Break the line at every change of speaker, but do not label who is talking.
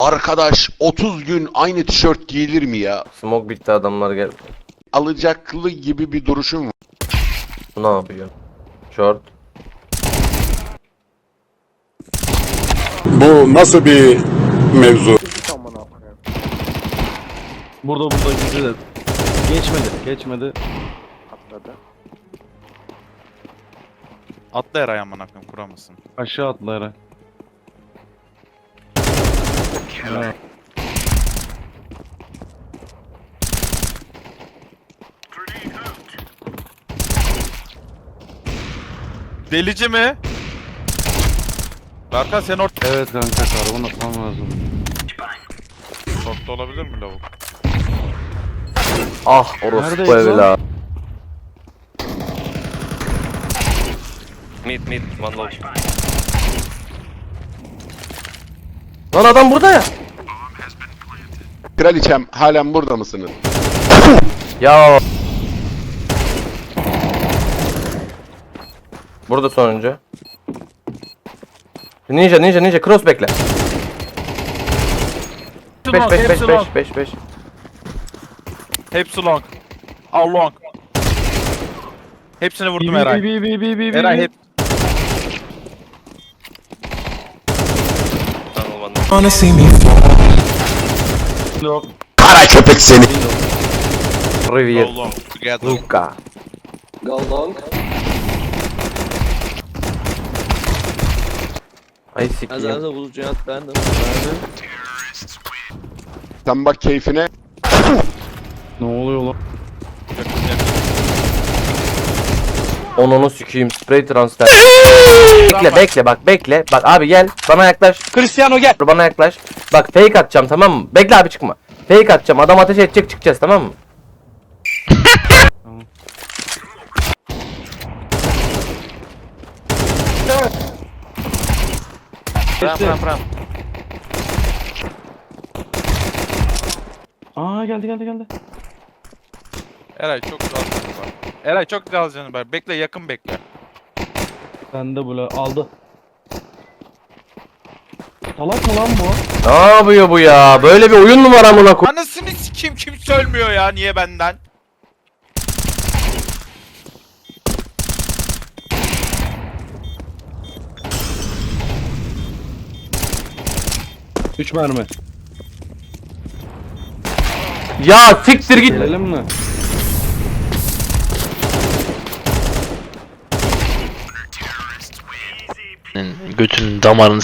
Arkadaş 30 gün aynı tişört giyilir mi ya?
Smoke bitti, adamlar gel.
Alacaklı gibi bir duruşum var.
Bu ne yapıyor? Short.
Bu nasıl bir mevzu?
Burada gizli de. Geçmedi.
Atladı.
Atla Eray amına koyayım, kuramasın.
Aşağı atla Eray. Ha.
Delici mi? Berkan sen orta...
Evet kanka, karbon atmam lazım.
Short'ta olabilir mi lavuk?
Ah orospu
Neredeyiz lan?
evla.
Mid, one low.
Lan adam burada ya.
Kraliçem halen burada mısınız?
Ya. Burada sonuncu. Ninja cross bekle. 5
Hepsi long. All long. Hepsini vurdum Eray. Eray hep...
Tunnel one.
Yok.
Kara köpek seni.
Rivier.
All long. Together.
Luka. Ay sikiyim.
Sen bak keyfine.
Ne oluyor lan?
Onunu sikiyim, spray transfer. bekle bak abi gel bana yaklaş. Cristiano gel. Bana yaklaş. Bak fake atacağım, tamam mı? Bekle abi, çıkma. Fake atacağım, adam ateş edecek, çıkacağız, tamam mı?
Ram.
Aa geldi.
Eray çok güzel canı var. Eray çok güzel canı var. Bekle, yakın bekle.
Bende böyle aldı. Salak mı lan bu?
Ne yapıyor bu ya? Böyle bir oyun mu var amına koy?
Anasını sikeyim, kimse ölmüyor ya, niye benden?
Üç mermi.
Ya siktir git.
Gelelim mi?
Götünün damarını